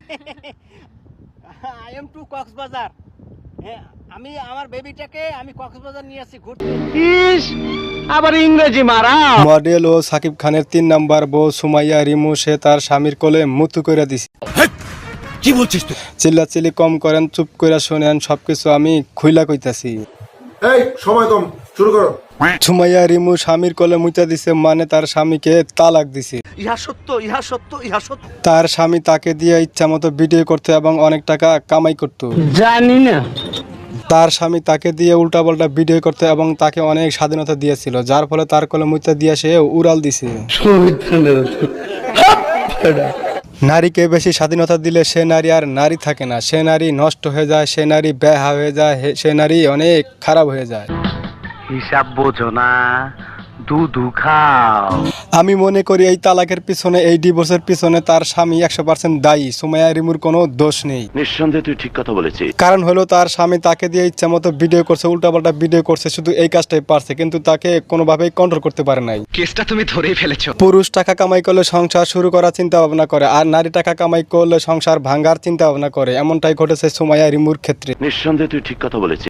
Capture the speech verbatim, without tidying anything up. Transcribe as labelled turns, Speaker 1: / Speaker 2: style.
Speaker 1: I am two Cox's Bazar. হ্যাঁ, আমি আমার বেবিটাকে আমি কক্সবাজার নিয়ে আসছি ঘুরতে।
Speaker 2: ইস, আবার ইংরেজি মারা।
Speaker 3: মডেল ও সাকিব খানের তিন নাম্বার বউ সুমাইয়া রিমু সে তার স্বামীর কোলে মুতু করে দিছে।
Speaker 4: কি বলছিস তুই?
Speaker 3: চিল্লাচিল্লি কম করেন, চুপ করে শোনেন, সবকিছু আমি খুইলা কইতাছি।
Speaker 5: এই সময় কম, শুরু করো।
Speaker 3: সুমাইয়া রিমু স্বামীর কোলে মুইতা দিছে, মানে তার স্বামীকে তালাক দিছে।
Speaker 4: ইহা সত্য, ইহা সত্য, ইহা সত্য।
Speaker 3: তার স্বামী তাকে দিয়ে ইচ্ছা মতো ভিডিও করতো এবং অনেক টাকা কামাই করত।
Speaker 2: জানি না।
Speaker 3: তার স্বামী তাকে দিয়ে উল্টাপাল্টা ভিডিও করতে এবং তাকে অনেক স্বাধীনতা দিয়েছিল, যার ফলে তার কোলে মুইতা দিয়ে সে উড়াল দিছে। নারীকে বেশি স্বাধীনতা দিলে সে নারী আর নারী থাকে না, সে নারী নষ্ট হয়ে যায়, সে নারী বেহা হয়ে যায়, হে- সে নারী অনেক খারাপ হয়ে যায়।
Speaker 2: হিসাব বোঝো না, দুধু খাও।
Speaker 3: আমি মনে করি এই তালাকের পিছনে, এই ডিভোর্সের পিছনে তার স্বামী একশো পার্সেন্ট দায়ী। সুমাইয়া রিমুর কোনো দোষ নেই।
Speaker 6: নিঃসন্দেহে তুই ঠিক কথা বলেছিস।
Speaker 3: কারণ হলো তার স্বামী তাকে দিয়ে ইচ্ছা মতো ভিডিও করছে, উল্টাপাল্টা ভিডিও করছে, শুধু এই কাজটাই পারছে, কিন্তু তাকে কোনোভাবেই কন্ট্রোল করতে পারে নাই।
Speaker 2: কেসটা তুমি ধরেই ফেলেছো।
Speaker 3: পুরুষ টাকা কামাই করলে সংসার শুরু করার চিন্তা ভাবনা করে, আর নারী টাকা কামাই করলে সংসার ভাঙার চিন্তা ভাবনা করে। এমনটাই ঘটেছে সুমাইয়া রিমুর ক্ষেত্রে।
Speaker 6: নিঃসন্দেহে তুই ঠিক কথা বলেছিস।